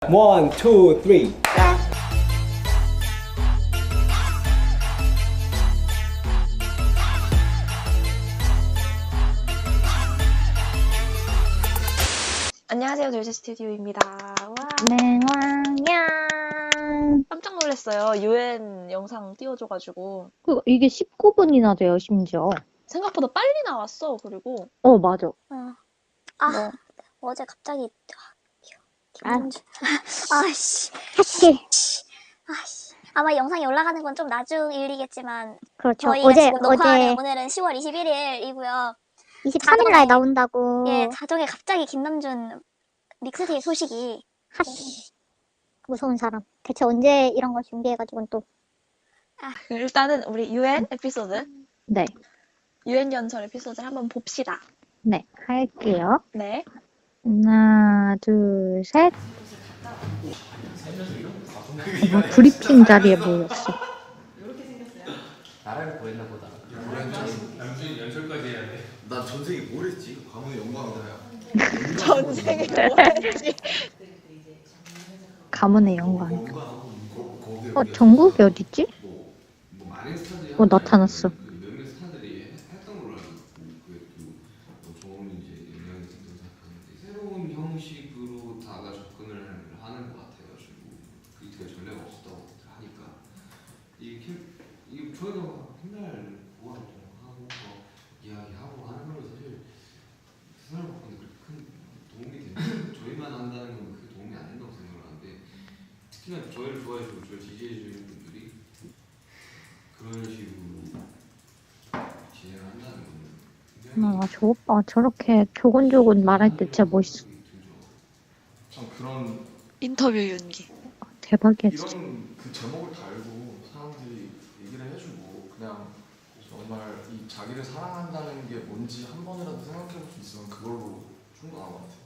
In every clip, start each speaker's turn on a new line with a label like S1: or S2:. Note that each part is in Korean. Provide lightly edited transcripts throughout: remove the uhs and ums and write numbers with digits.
S1: One, two, three.
S2: 안녕하세요, 돌제 스튜디오입니다. 와,
S3: 맹왕냥.
S2: 깜짝 놀랐어요. UN 영상 띄워줘가지고
S3: 이게 19분이나 돼요, 심지어.
S2: 생각보다 빨리 나왔어. 그리고
S3: 맞아.
S4: 어제 갑자기
S3: 아.
S4: 김민주 아씨 아마 영상이 올라가는 건 좀 나중 일이겠지만
S3: 그렇죠.
S4: 저희가 지금 녹화하는 오늘은 10월 21일이고요.
S3: 23일 날 나온다고.
S4: 예, 자정에 갑자기 김남준 믹스테이프 소식이
S3: 무서운 사람. 대체 언제 이런 거 준비해가지고 또.
S2: 일단은 우리 UN 에피소드,
S3: 네.
S2: UN 연설 에피소드를 한번 봅시다.
S3: 네. 할게요.
S2: 네.
S3: 하나, 둘, 셋. 브리핑 자리에 모였어.
S1: 나라를 구했나 보다.
S5: 남준이 연설까지 해야 돼.
S6: 난 전생에 뭘 했지? 가문의 영광이다야.
S2: 전생에 뭐 했지?
S3: 가문의 영광. 전국이 어딨지?
S5: 뭐 많은 스타들이
S3: 나타났어.
S5: 몇몇 스타들이 했던 걸로 알고 있고 그게 또 좋은 이제 영향이 있었던 생각하는데 새로운 형식으로 다가 접근을 하는 것 같아가지고 그게 되게 전례가 없었다고 하니까 이게 저희가 맨날 보아를 하고 이야기하고 하는 걸로 사실 세상을 바꾸는 그렇게 큰 도움이 되는 저희만 한다는 건 그게 도움이 안 된다고 생각을 하는데 특히나 저희를 좋아해주고 저를 지지해주는 분들이 그런 식으로 진행을 한다는 건
S3: 저 오빠 저렇게 조곤조곤 말할 때 진짜 멋있어.
S6: 참 그런
S2: 인터뷰 윤기.
S3: 대박이야, 진짜.
S6: 이런 그 제목을 달고 사람들이 얘기를 해주고 그냥 정말 이 자기를 사랑한다는 게 뭔지 한 번이라도 생각해볼 수 있으면 그걸로 충분한 것 같아요.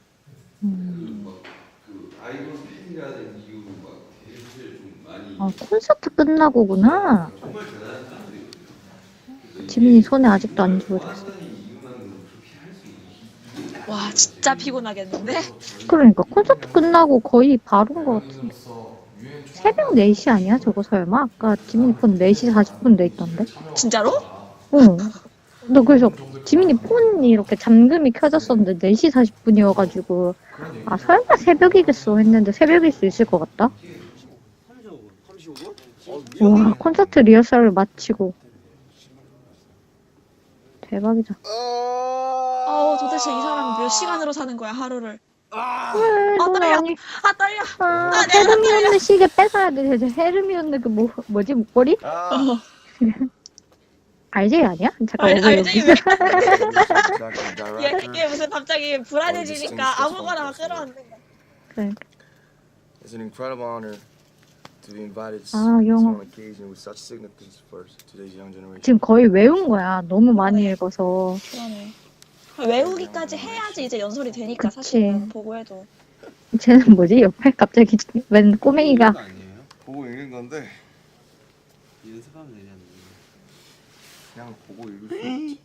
S5: 그 아이돌 팬이라는 이유로 막 되게 사실 좀 많이
S3: 콘서트 끝나고구나.
S5: 정말 대단한 사람들이거든요.
S3: 지민이 손에 아직도 안 지워졌어.
S5: 좋아한다는 이유만으로 그렇게 할 수 있는
S2: 와, 진짜 피곤하겠는데?
S3: 그러니까 콘서트 끝나고 거의 바로인 것 같은데. 새벽 4시 아니야? 저거 설마? 아까 지민이 폰 4시 40분 돼 있던데?
S2: 진짜로?
S3: 응. 너 그래서 지민이 폰이 이렇게 잠금이 켜졌었는데 4시 40분이어가지고 설마 새벽이겠어 했는데 새벽일 수 있을 것 같다? 와, 콘서트 리허설을 마치고 대박이다.
S2: 도대체 이 사람 몇 시간으로 사는 거야, 하루를?
S3: 너무
S2: 떨려.
S3: 많이.
S2: 떨려.
S3: 헤르미온느 시계 뺏어야 돼. 헤르미온느 그 뭐지 목걸이? RJ 아니야? 잠깐
S2: 알지?
S3: 여기.
S2: 얘 무슨 갑자기 불안해지니까 아무거나 막 끌어안는 거야.
S3: 그래.
S7: It's an incredible honor to be invited to
S3: 영어.
S7: an occasion with such significance for today's young generation.
S3: 지금 거의 외운 거야. 너무 많이 읽어서.
S2: 그러네. 외우기까지 해야지 이제 연설이 되니까
S3: 그치.
S2: 사실은 보고 해도.
S3: 쟤는 뭐지? 옆에 갑자기 웬 꼬맹이가
S5: 아니에요?
S7: 보고 읽는 건데
S5: 연습하면 되냐는
S7: 그냥 보고 읽을 수 있지.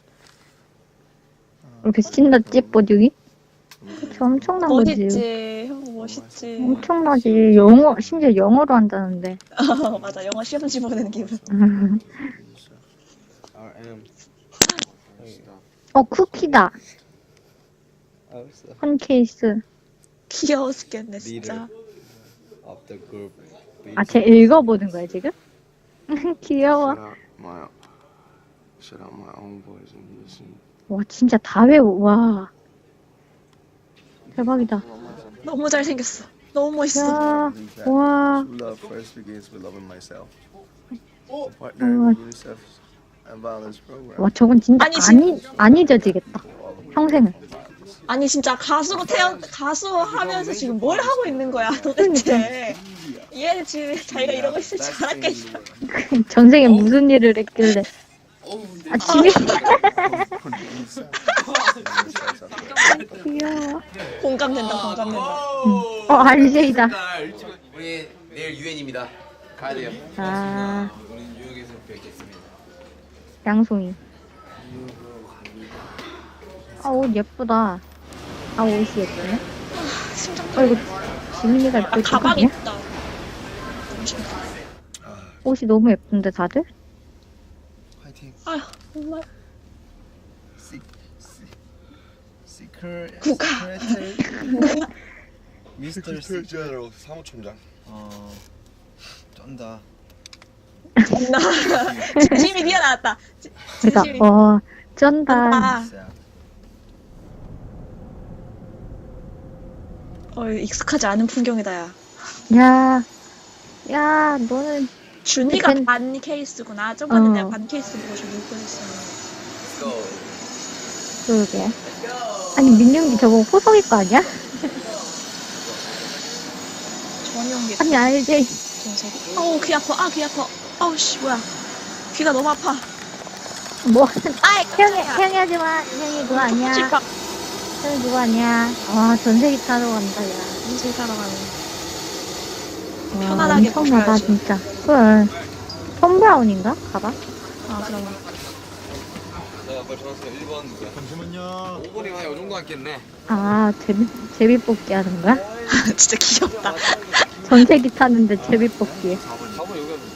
S3: 이렇게 신났지 뽀듀기? 그쵸, 엄청난 거지.
S2: 멋있지. 형 멋있지.
S3: 엄청나지. 영어, 심지어 영어로 한다는데.
S2: 맞아. 영어 시험지 보는 기분.
S3: 쿠키다. 한 케이스.
S2: 귀여워 죽겠네 진짜.
S3: 쟤 읽어보는 거야 지금? 귀여워.
S7: Shut out my own voice and listen.
S3: 와 진짜 다 외워. 와 대박이다.
S2: 너무 잘생겼어. 너무 멋있어.
S3: 야, 와.
S7: True love first begins with loving myself. Partner with UNICEF and violence program.
S3: 와 저건 진짜 안 잊어지겠다. 평생을.
S2: 아니 진짜 가수 하면서 지금 뭘 하고 있는 거야 도대체. 얘는 지금 자기가 이러고 있을 줄 알았겠어.
S3: 전생에 무슨 일을 했길래. 지민. 귀여워.
S2: 공감된다.
S3: RJ다.
S1: 우리 내일 유엔입니다. 가야 돼요. 우리 뉴욕에서 뵙겠습니다.
S3: 양송이. 옷 예쁘다. 옷이 예쁘네.
S2: 심장
S3: 이거 지민이가 입고
S2: 아,
S3: 있던 거
S2: 가방
S3: 아니야?
S2: 있다.
S3: 옷이 너무 예쁜데 다들?
S7: 화이팅.
S2: 아휴, 정말.
S7: 시크릿.
S2: 국가.
S7: 미스터 시크릿 사무총장. 쩐다.
S2: 나 진심이 뛰어나왔다.
S3: 그니까,
S2: 진심이.
S3: 쩐다.
S2: 아, 익숙하지 않은 풍경이다, 야.
S3: 야, 너는
S2: 준이가
S3: 벤-
S2: 반 케이스구나. 저번에
S3: 어.
S2: 내가 반 케이스 보고 좀 울 뻔했어.
S3: 그러게. 아니, 민영이 저거 호석이 거 아니야?
S2: 전용기.
S3: 아니, 알지?
S2: 정색이. 어우, 귀 아파. 아, 귀 아파. 아우, 씨, 뭐야. 귀가 너무 아파.
S3: 뭐,
S2: 아이,
S3: 형이 하지 마. 형이 그거 아니야.
S2: 찔깍.
S3: 형이 그거 아니야. 와, 전세기 타러 간다, 야.
S2: 인생 살아가는.
S3: 와,
S2: 편안하게
S3: 엄청나다,
S2: 보셔야지.
S3: 진짜. 그래. 톰 브라운인가? 가봐.
S2: 아, 그럼.
S5: 자, 빨리 전화주세요. 1번. 잠시만요. 5번이면 이 정도 앉겠네.
S3: 아, 제비뽑기 하는 거야?
S2: 진짜 귀엽다.
S3: 전세기 타는데 제비뽑기.
S5: 4번 여기 하면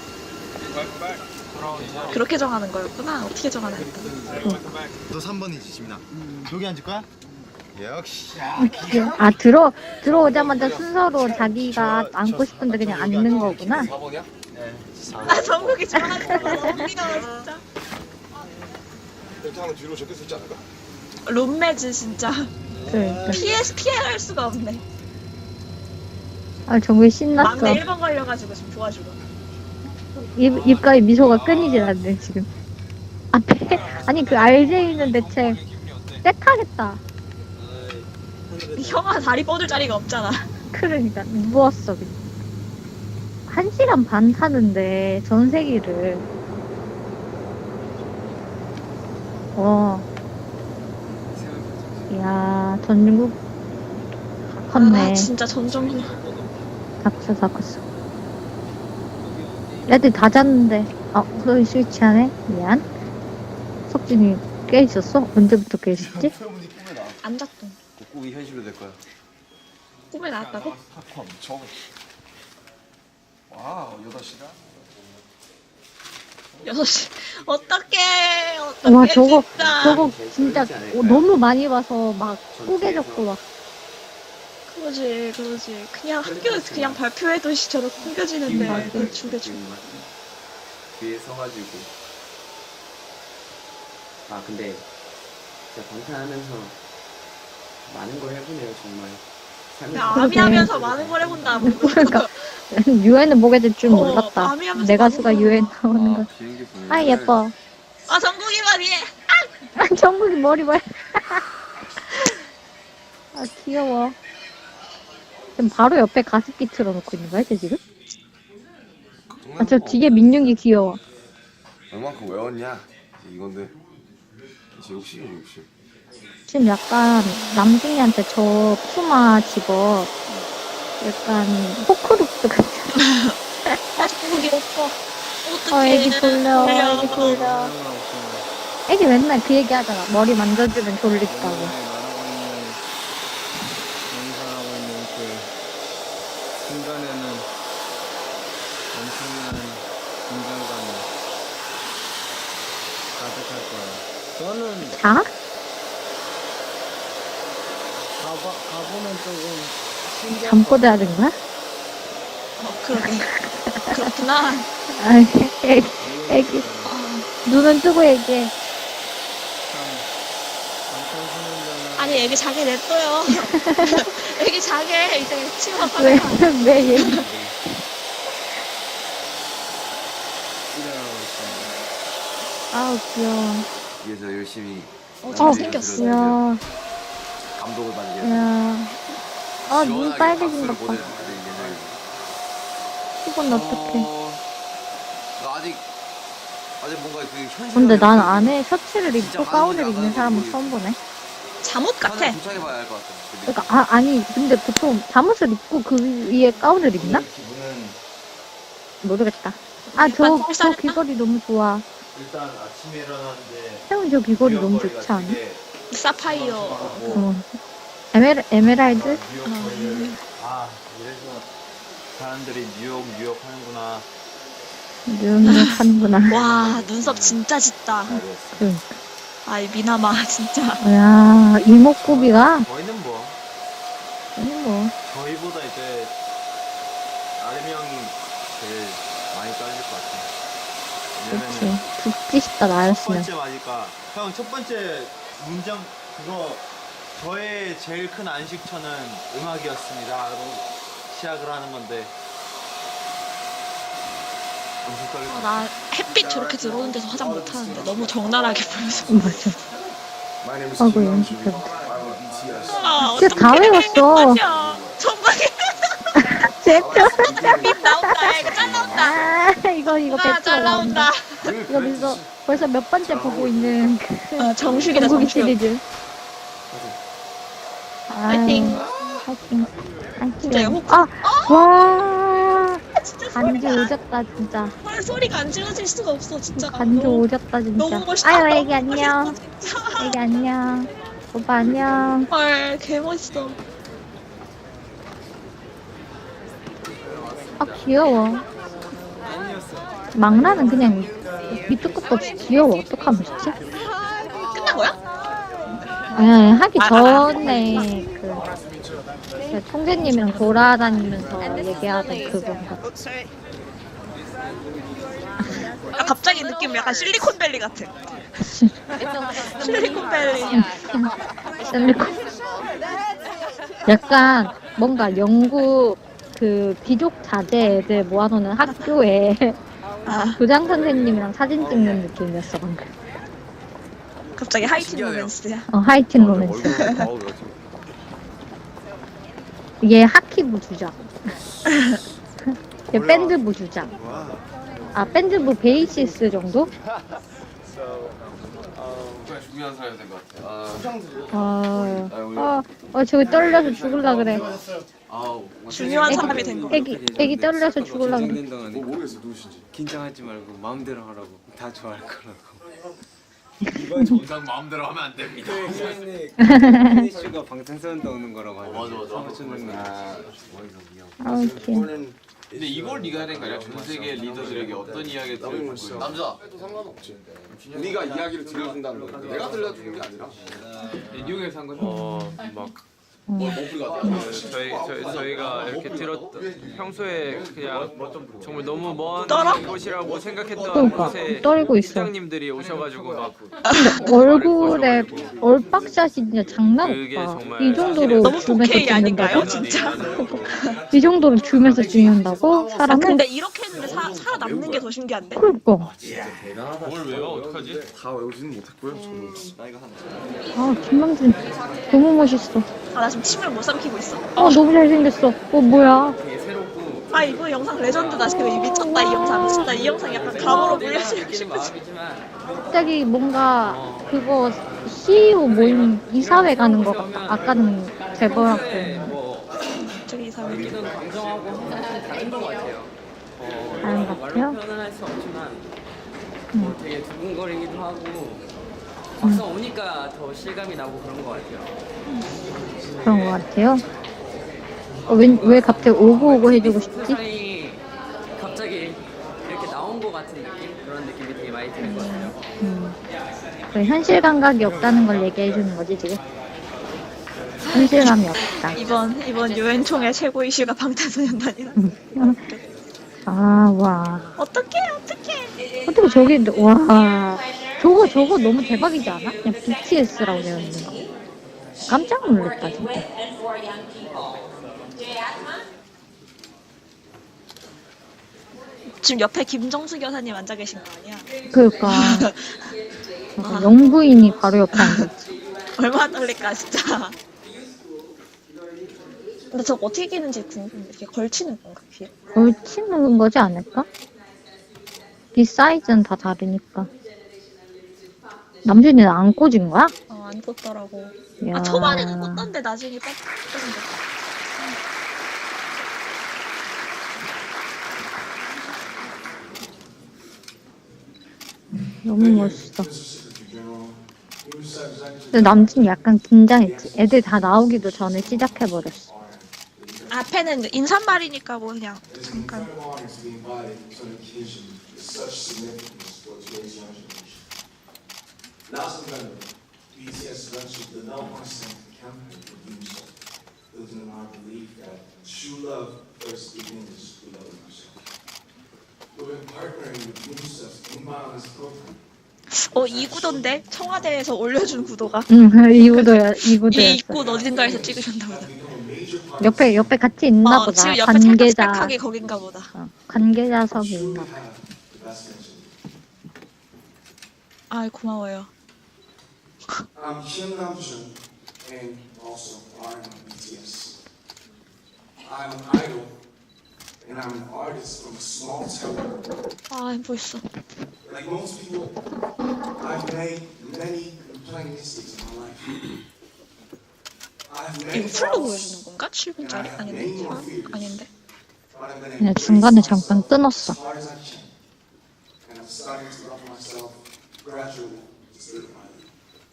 S2: 그렇게 정하는 거였구나. 어떻게 정하는 거야?
S7: 너 3번이지 지민아. 여기 앉을 거야? 역시.
S3: 아, 들어오자마자 순서로 자기가 앉고 싶은데 그냥 앉는 거구나.
S5: 4번이야?
S2: 아, 정국이 좋아하는 거 너무 귀여워, 진짜.
S7: 일단은 뒤로 적혀 있지 않을까?
S2: 룸메즈, 진짜.
S3: 그러니까.
S2: 피할 수가 없네.
S3: 아, 정말 신났어.
S2: 막내 1번 걸려가지고 지금 도와주고.
S3: 입가에 미소가 끊이질 않네, 지금. 앞에, 아니, 그 RJ는 대체 떼타겠다.
S2: 형아 다리 뻗을 자리가 없잖아.
S3: 그러니까, 누웠어, 그냥. 1시간 반 타는데, 전세기를. 이야, 전국 컸네.
S2: 아, 진짜 전정국.
S3: 다 컸어. 애들 다 잤는데, 소리 스위치하네? 미안. 석진이 깨 있었어? 언제부터 깨 있었지?
S2: 안 잤던.
S1: 꿈이 현실로 될 거야.
S2: 꿈에 나왔다고?
S6: 팝콘 저거. 와우 8시간?
S2: 6시. 어떡해.
S3: 와,
S2: 어떡해, 진짜.
S3: 저거 진짜 너무 많이 봐서 막 꾸겨졌고 막.
S2: 그러지. 그냥 학교에서 그냥 발표해도 저렇게 꾸겨지는데. 그걸 죽여주고.
S1: 뒤에 서가지고. 아 근데 진짜 방탄하면서 많은 걸 해보네요 정말.
S2: 그냥
S3: 그러게.
S2: 아미하면서 많은 걸 해본다.
S3: 그러니까 유엔은 보게 될 줄 몰랐다.
S2: 마음이 하면서
S3: 내
S2: 많은
S3: 가수가
S2: 걸
S3: 유엔 나오는 거.
S1: 비행기 보내.
S3: 아, 예뻐.
S2: 아, 정국이 말이에.
S3: 정국이 머리 봐. 아, 귀여워. 지금 바로 옆에 가습기 틀어놓고 있는 거야, 쟤 지금? 아, 저 뒤에 민윤기 귀여워.
S7: 얼만큼 외웠냐? 이건데 이제 60.
S3: 지금 약간 남중이한테 저 푸마 집업 약간 호크룩스 같아.
S2: 정국이 오빠. 어떡해.
S3: 애기 졸려. 애기 맨날 그 얘기 하잖아. 머리 만져주면 졸린다고.
S8: 연상하고 있는 그 순간에는 엄청난 긴장감이 가득할 거예요. 저는
S3: 자?
S8: 가보면 조금 신기할
S3: 잠꼬대 하는 거야?
S2: 그러게. 그렇구나.
S3: 아이, 애기. 눈은 뜨고 얘기해.
S2: 아니, 애기 자게 냅둬요. 애기 자게. 이제 치료가
S3: 왜,
S2: 빠져.
S3: 왜 얘기.
S8: 일어나고 있습니다.
S3: 아우, 귀여워.
S1: 위에서 열심히
S2: 잘생겼어.
S3: 이야,
S1: 감독을 받는 게.
S3: 이야. 아, 눈
S1: 시원하게
S3: 빨개진
S1: 박수를
S3: 것 봐.
S1: 보내주는데 이게
S3: 이건 어떡해.
S1: 나 아직 뭔가 그 현실.
S3: 근데 난 안에 셔츠를 입고 가운을 입는 사람은 처음 보네.
S2: 잠옷 같아.
S1: 도착해봐야 알 것 같아.
S3: 그러니까, 아니, 근데 보통 잠옷을 입고 그 위에 가운을 입나?
S7: 기분은
S3: 모르겠다.
S2: 약간
S3: 저
S2: 똥싸냈나?
S3: 귀걸이 너무 좋아.
S7: 일단 아침에 일어났는데
S3: 태훈 저 귀걸이 너무 좋지 않아?
S2: 사파이어.
S3: 어. 에메랄드?
S7: 뉴욕 거리를
S1: 아, 이래서 사람들이 뉴욕 하는구나.
S3: 뉴욕 하는구나.
S2: 와 눈썹 진짜 짙다.
S3: 그러니까.
S2: 아이 미나마 진짜.
S3: 야, 이목구비가,
S1: 저희는 뭐,
S3: 아니 뭐,
S1: 저희보다 이제 아름이 형이 제일 많이 떨릴 것 같아.
S3: 그치.
S1: 왜냐면은
S3: 죽기 싶다,
S1: 첫
S3: 나였으면.
S1: 번째 맞으니까 형 첫 번째 문장 그거 저의 제일 큰 안식처는 음악이었습니다. 라고 시작을 하는 건데 엄청 떨릴 것 같아.
S2: 나 햇빛 저렇게 들어오는 데서 화장 못하는데 너무 적나라하게 보여서.
S3: 맞아.
S6: My name is
S3: 아이고,
S6: Kim
S3: 연습해.
S6: Namjoon. I'm a BTS.
S2: 아
S3: 진짜 다 외웠어.
S2: 맞아. 전방에
S3: 진짜.
S2: 빗 나온다. 야, 이거 잘 나온다.
S3: 아, 이거
S2: 아,
S3: 배트가
S2: 잘 나온다.
S3: 이거 벌써 몇 번째 보고 있는
S2: 정수기다
S3: 정국이
S2: 정수기.
S3: 시리즈.
S2: 파이팅.
S3: 파이팅.
S2: 진짜 이거
S3: 파이팅. 아, 와.
S2: 진짜
S3: 간주
S2: 소리가
S3: 오졌다, 진짜.
S2: 헐, 소리가 안 질러질 수가 없어 진짜.
S3: 간주
S2: 너무-
S3: 오졌다, 진짜.
S2: 너무 멋있다.
S3: 아유,
S2: 너무
S3: 애기 안녕.
S2: 멋있어, 진짜.
S3: 애기 안녕. 오빠 안녕.
S2: 헐 개멋있어.
S3: 아, 귀여워. 망라는 그냥 밑도 끝도 없이 귀여워. 어떡하면 좋지?
S2: 끝난 거야?
S3: 하기 전에 그 총재님이랑 돌아다니면서 얘기하던 그건가.
S2: 아, 갑자기 느낌 약간 실리콘밸리 같아. 실리콘밸리.
S3: 셀리콘. 약간 뭔가 영국 그 귀족 자제 애들 모아놓는 학교에 교장 선생님이랑 사진 찍는 느낌이었어 방금.
S2: 갑자기 하이틴 로맨스야.
S3: 하이틴 로맨스. 얘 하키부 주장. 얘 밴드부 주장. 아 밴드부 베이시스 정도?
S6: 정말 중요한 사람이 된 것 같아요.
S3: 저기 떨려서 죽을라 그래.
S2: 중요한 사람이 된 거.
S3: 애기 떨려서 죽을라 그래.
S8: 진행 동안에
S6: 모르겠어 누구신지.
S8: 긴장하지 말고 마음대로 하라고. 다 좋아할 거라고.
S6: 이건 정상 마음대로 하면 안 됩니다.
S8: 슈가 방탄소년단 오는 거라고 하죠. 맞아.
S3: 아우 귀여워.
S5: 근데 이걸 네가 해야 되는 거 아니야? 전 세계 리더들에게 어떤 이야기를 들을 거야?
S6: 남자 해도 상관없지. 네가 이야기를 들려준다는 거야. 내가 들려주는 게 아니라.
S5: 뉴욕에서 한 거죠?
S9: 저희가 이렇게 들었던 평소에 그냥 정말 너무 먼
S2: 떨어?
S9: 곳이라고 생각했던
S3: 그러니까
S9: 곳에
S3: 떨고 있어.
S9: 부장님들이 오셔가지고 막
S3: 얼굴에 얼빡샷이 진짜 장난
S9: 그게
S3: 없다.
S9: 정말
S3: 이 정도로
S2: 너무
S3: 줌해서
S2: 4K 아닌가요,
S3: 찍는다고?
S2: 진짜?
S3: 이 정도로 줌해서 찍는다고?
S2: 아,
S3: 사람을?
S2: 근데 이렇게 했는데 살아남는 게 더 신기한데?
S3: 그러니까.
S9: 뭘 왜요? 어떡하지?
S6: 다 외우지는 못했고요. 저도.
S3: 아 김남준 너무 멋있어.
S2: 아, 나 지금 침을 못 삼키고 있어.
S3: 너무 잘생겼어. 뭐야?
S9: 되게 새롭고
S2: 아, 이거 영상 레전드다. 지금 이 미쳤다, 이 영상. 미쳤다. 이 영상 약간 감으로 물려주고 싶으지.
S3: 갑자기 뭔가 그거 CEO 모임 이사회 가는 거 같다. 아까는 재벌학교.
S2: 저기 이 사람.
S9: 느끼던 감정하고 항상 다른 것 같아요.
S3: 다른 것 같아요?
S9: 말로 표현은 할 수 없지만 되게 두근거리기도 하고 막상 오니까 더 실감이 나고 그런 것 같아요.
S3: 그런 것 같아요. 왜 갑자기 오고 해주고 싶지?
S9: 세상이 갑자기 이렇게 나온 것 같은 느낌? 그런 느낌이 되게 많이 드는 것 같아요.
S3: 그 현실 감각이 없다는 걸 얘기해 주는 거지 지금. 현실감이 없다.
S2: 이번 유엔 총회 최고 이슈가 방탄소년단이라.
S3: 아, 와.
S2: 어떡해.
S3: 어떻게 저기, 와. 저거 너무 대박이지 않아? 그냥 BTS라고 되어 있는 거. 깜짝 놀랐다, 진짜.
S2: 지금 옆에 김정수 교사님 앉아 계신 거 아니야?
S3: 그러니까. 영부인이 바로 옆에 앉았지.
S2: 얼마나 떨릴까, 진짜. 근데 저거 어떻게 끼는지 궁금해. 이렇게 걸치는 건가, 귀에?
S3: 걸치는 거지 않을까? 이 사이즈는 다 다르니까. 남준이는 안 꽂은 거야?
S2: 안 꽂더라고.
S3: 이야.
S2: 초반에는 꽂던데 나중에 꽂던데.
S3: 너무 멋있어. 근데 남준이 약간 긴장했지. 애들 다 나오기도 전에 시작해버렸어.
S2: 아, 앞에는 인사말이니까 뭐 그냥
S10: It's an
S2: 잠깐.
S10: incredible honor to be invited to an occasion with such significance for today's young generation. Last November, BTS launched the No More Sanctum campaign for Doomsday, building on our belief that true love first begins with loving yourself. We've been partnering with Doomsday's Inbound's program.
S2: 이 구도인데 청와대에서 올려준 구도가
S3: 이 구도야, 이
S2: 이
S3: 구도였어.
S2: 입구 어딘가에서 찍으셨나 보다.
S3: 옆에 같이 있나 보다.
S2: 지금 옆에 살짝
S3: 관계자.
S2: 스펙하게 거긴가 보다.
S3: 관계자석이
S10: Truly
S3: 있나 봐.
S10: have the best mention.
S2: 아 고마워요.
S10: I'm Kim Namjoon, and also I'm BTS. I'm an idol, and I'm an artist from a small town.
S2: 아 벌써.
S10: Like most people, I've made many playing mistakes in my life. I've made
S2: 이거 풀로
S10: faults,
S2: 보여주는 건가? 7분짜리? 아닌데? 아닌데?
S10: but I've been
S3: 그냥
S10: able to
S3: 중간에
S10: raise
S3: 잠깐
S10: myself
S3: 끊었어.
S10: as hard as I can. And I'm starting to love myself gradually, just little by little.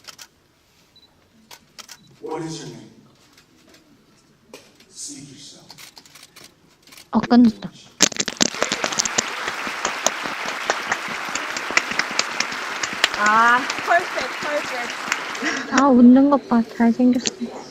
S10: What is your name? Speak yourself.
S3: 끝났다.
S2: 아 펄펙트.
S3: 웃는 것 봐. 잘생겼어.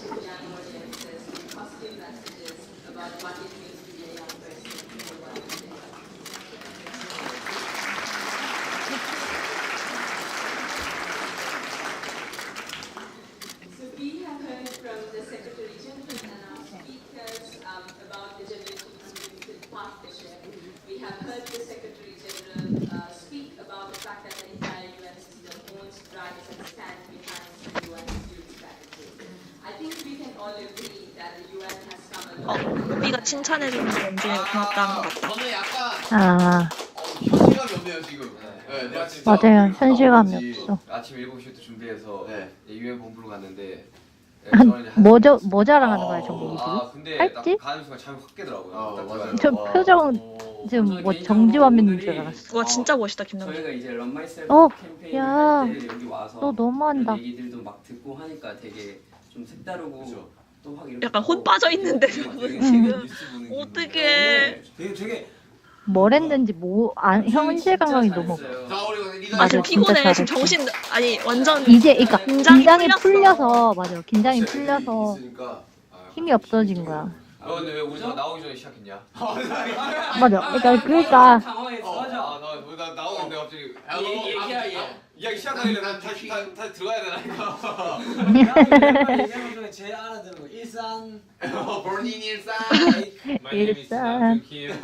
S11: We have heard from the Secretary General and our speakers about the Generation Partnership. We have heard the Secretary General speak about the fact that the entire UN system owns, drives, and stands behind the UN security strategy. I think we can all agree that the UN has come a long way.
S2: 우리가 칭찬해주는 게 엄중히 고맙다는 것 같다.
S5: 저는 약간
S3: 아,
S5: 현실감이 없네요 지금. 네, 내가 진짜
S3: 맞아요.
S5: 있다
S3: 현실감이
S5: 오는지
S3: 없어.
S5: 아침 7시부터 준비해서 유엔 본부로 갔는데
S3: 뭐 자랑하는 거야, 정국이 지금?
S5: 근데
S3: 팔찌?
S5: 딱 가는 순간 잠이 확 깨더라고요. 딱 들어가서.
S3: 저 표정 지금 뭐 정지화면인 줄 알았어.
S2: 와 진짜 멋있다 김남준.
S9: 저희가 이제 런 마이셀프
S3: 어,
S9: 캠페인을
S3: 야,
S9: 할 때 여기 와서
S3: 너 너무한다.
S9: 이런 얘기들도 막 듣고 하니까 되게 좀 색다르고 또 확 이렇게
S2: 약간 혼 빠져 있는데 저분 지금 어떻게?
S9: 되게
S3: 뭘 했는지 현실 감각이 너무 없어. 맞아,
S2: 피곤해
S3: 진짜
S2: 지금
S3: 잘했어.
S2: 정신 아니 완전
S3: 이제 그러니까 긴장이
S2: 풀렸어.
S3: 풀려서 맞아. 긴장이 풀려서 힘이 없어진 거야.
S5: 근데 왜 우리가 나오기 전에 시작했냐?
S3: 맞아. 그러니까
S9: 당황했어. 맞아.
S5: 나 나오는데 갑자기
S9: 얘기야.
S5: 이야기 시작하길래 난 다시 들어가야 되나니까.
S8: 얘기하는 중에 제일 알아듣는 거 일산
S5: 본인 일상.
S3: 일산.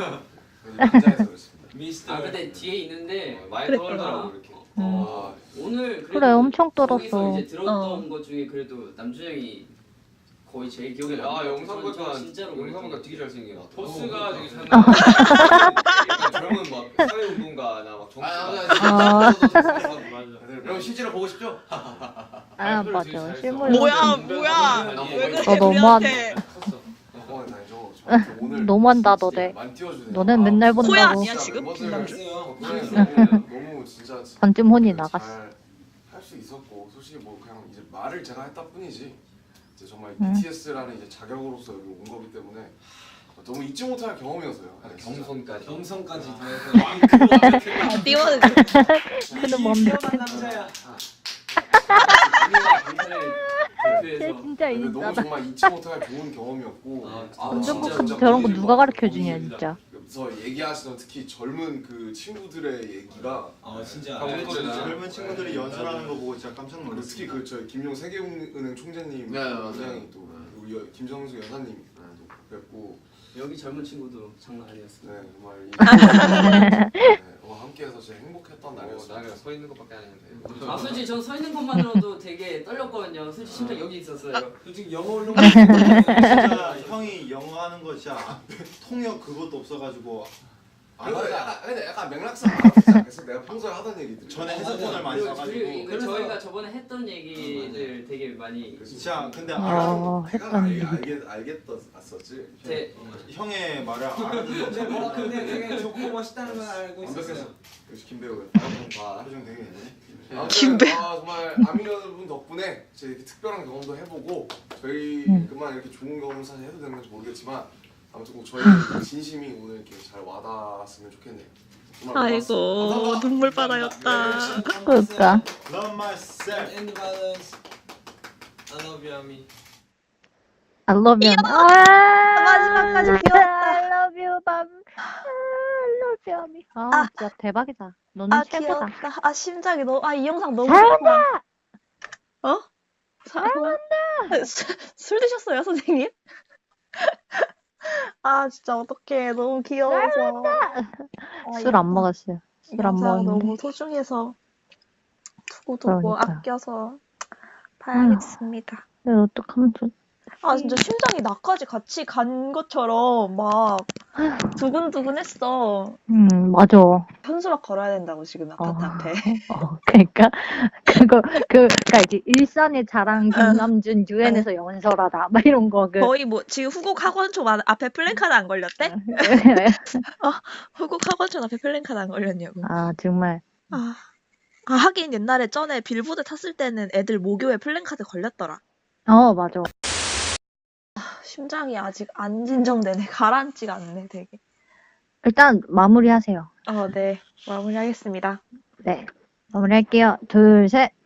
S9: 미스터. 근데 뒤에 있는데
S5: 많이 떨더라고 이렇게.
S9: 오늘
S3: 그래, 엄청 떨었어.
S9: 거기서 이제 들었던 것 중에 그래도 남준 형이 거의 제일 기억에 남는
S5: 영상 보니까
S9: 진짜로
S5: 영상 보니까 되게 잘생긴 것 같아. 포스가 되게 잘
S3: 어.
S5: 나와. 젊은 막 사회운동가나 막 정치가. 그럼 실제로 보고 싶죠?
S3: 아 맞아. 실물.
S2: 뭐야? 왜 그래 우리한테?
S3: 너무한다 너네. 너넨 맨날 본다고.
S2: 코야 아니야 지금 김남준?
S6: 너무 진짜
S3: 번쯤 혼이 나갔어.
S6: 할수 있었고 솔직히 뭐 그냥 이제 말을 제가 했다 뿐이지 이제 정말
S3: 응.
S6: BTS라는 이제 자격으로서 여기 온 거기 때문에 너무 잊지 못할 경험이었어요.
S5: 경선까지.
S8: 경선까지 더해서
S2: 띄워는
S3: 그는 뭔데?
S8: 남자야.
S3: 쟤 진짜
S6: 근데 너무
S3: 인싸다.
S6: 정말 잊지 못할 좋은 경험이었고
S3: 운전복 저런 거 누가 가르쳐 주냐 진짜.
S6: 그래서 얘기하시던 특히 젊은 그 친구들의 얘기가
S8: 진짜
S1: 젊은 친구들이 연설하는 거 보고 진짜 깜짝
S6: 그리고
S1: 놀랐어요.
S6: 특히 그 저희 김용 세계은행 총재님 굉장히 또 우리 김정수 여사님 또 뵙고
S9: 여기 젊은 친구도 장난 아니었어.
S6: 네 정말 함께해서 진짜 행복했던 날이었어요.
S5: 나는 서 있는 것밖에 안 했는데.
S9: 솔직히 전 서 있는 것만으로도 되게 떨렸거든요. 솔직히 심장 여기 있었어요.
S8: 솔직히 영어 올른
S1: 진짜 형이 영어 하는 거 진짜 통역 그것도 없어가지고
S6: 근데 약간 맥락상 알아듣지 않겠어? 내가 평소에 하던 얘기들.
S1: 전에 해석본을 많이 써가지고.
S9: 그리고 저희가 저번에 했던 얘기들 되게 많이.
S1: 진짜 근데
S3: 했던
S6: 알겠었지.
S1: 형의 말을 알아듣는
S8: 근데 뭐 근데 되게 좋고 멋있다는 걸 알고 있었어요.
S6: 역시 김배우야.
S1: 표정 되게 있네.
S2: 김배.
S6: 정말 아미 여러분 덕분에 제 이렇게 특별한 경험도 해보고 저희 그만 이렇게 좋은 경험 사실 해도 되는 건지 모르겠지만 아무튼 뭐 저희 진심이 오늘 이렇게 잘 와닿았으면 좋겠네요. 정말
S2: 아이고
S6: 고맙습니다.
S2: 눈물바다였다.
S3: 그러니까.
S1: Love myself.
S8: End violence. I love you, Ami.
S3: I love you.
S2: 마지막까지 귀여웠다.
S3: I love you, 밤. I love you, 미. 아, 진짜 대박이다. 너는
S2: 아
S3: 최고다.
S2: 귀엽다. 아 심장이 너무 이 영상 너무
S3: 잘한다.
S2: 좋다. 어? 잘한다. 술 드셨어요 선생님? 아 진짜 어떡해 너무 귀여워서.
S3: 술 안 먹었어요. 술 안
S2: 영상
S3: 먹었는데.
S2: 너무 소중해서 두고두고
S3: 그러니까.
S2: 아껴서 봐야겠습니다.
S3: 근데 어떡하면 좋
S2: 아 진짜 심장이 나까지 같이 간 것처럼 막 두근두근했어.
S3: 맞아.
S2: 현수막 걸어야 된다고 지금 아파트 앞에.
S3: 그러니까 그러니까 이제 일산의 자랑 김남준 유엔에서 연설하다 막 이런 거
S2: 거의 뭐 지금 후곡 학원촌 앞에 플랜카드 안 걸렸대? 후곡 학원촌 앞에 플랜카드 안 걸렸냐고.
S3: 아 정말.
S2: 하긴 옛날에 전에 빌보드 탔을 때는 애들 모교에 플랜카드 걸렸더라.
S3: 맞아.
S2: 심장이 아직 안 진정되네. 가라앉지가 않네, 되게.
S3: 일단 마무리하세요.
S2: 네. 마무리하겠습니다.
S3: 네. 마무리할게요. 둘, 셋.